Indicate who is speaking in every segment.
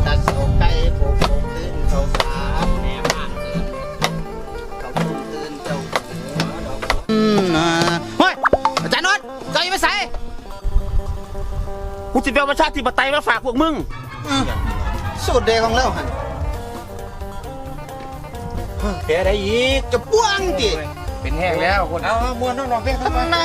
Speaker 1: ตัดเสาไก่โผล่ตื่นเขาสามแม่บ้านตื่นเขาตื่นเจ้าเฮ้ยอาจารย์นนท์เจ้ายังไม่ใส่
Speaker 2: กูจะเอาประชาธิปไตยมาฝากพวกมึง
Speaker 1: สูตรเดของเราหัน
Speaker 2: แพ้ได้อีก
Speaker 1: จะป้วงดิ
Speaker 2: เป็นแห้งแล้วคน
Speaker 1: เอามวนน้องๆเพียงทำไมนะ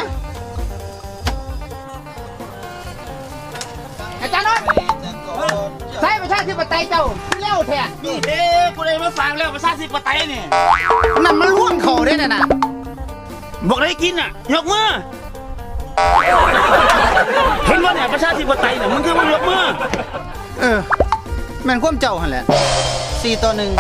Speaker 1: อาจารย์นนท์ใส่ประชาธิปไตยเจ้าเลี้ยวแท้
Speaker 2: นี่เด้กูเลยมาฝากแล้วประชาธิปไตยนี่
Speaker 1: นั่นมันล่วงเขาได้น่ะ
Speaker 2: บอกได้กินอ่ะยกมือเห็นว่าเนี่ยประชาธิปไตยเนี่ยมึงคือมึงยกมือ
Speaker 1: แม่นความเจ้าหันแหละ4-1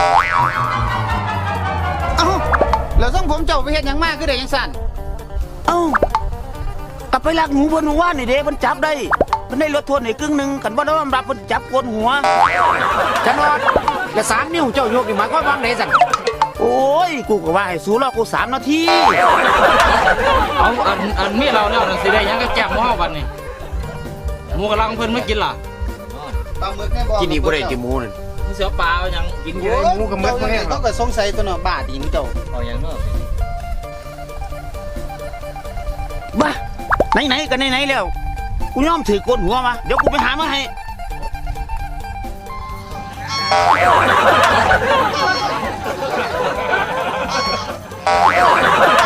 Speaker 1: เอ้าแล้วส่งผมเจ้าไปเฮ็ดหยังมากคือได้ยังสั่น
Speaker 2: เอ้ากลับไปลักหนูบนว่านนี่เด้มันจับได้มันได้ลดโทษใน1/2กันว่าน้องรับมันจับโกนหัว
Speaker 1: จันวดและ3 นิ้วเจ้ายกนี่หมายความว่าไงสั่น
Speaker 2: โอ้ยกูก็ว่าให้สู้รอกู3 นาที
Speaker 3: เอาอันมีเราแล้วสิได้ยังก็แก้มหม้อวันนี่หมูกระลังเพิ่นไม่กินล่ะ
Speaker 1: ปลาหมึกแน่บ่
Speaker 2: กินอีกบ่ได้จิหมูนั่น
Speaker 3: มึงเสียปลายังกินเยอะ
Speaker 1: หมูกับมึกเนี่ยเขาก็สงสัยตัวเนาะบาดอีกเจ้า
Speaker 3: เอาอย่างเนาะ
Speaker 2: บ้าไหนๆกันไหนๆแล้วกูยอมถือโกนหัวมาเดี๋ยวกูไปหามาให้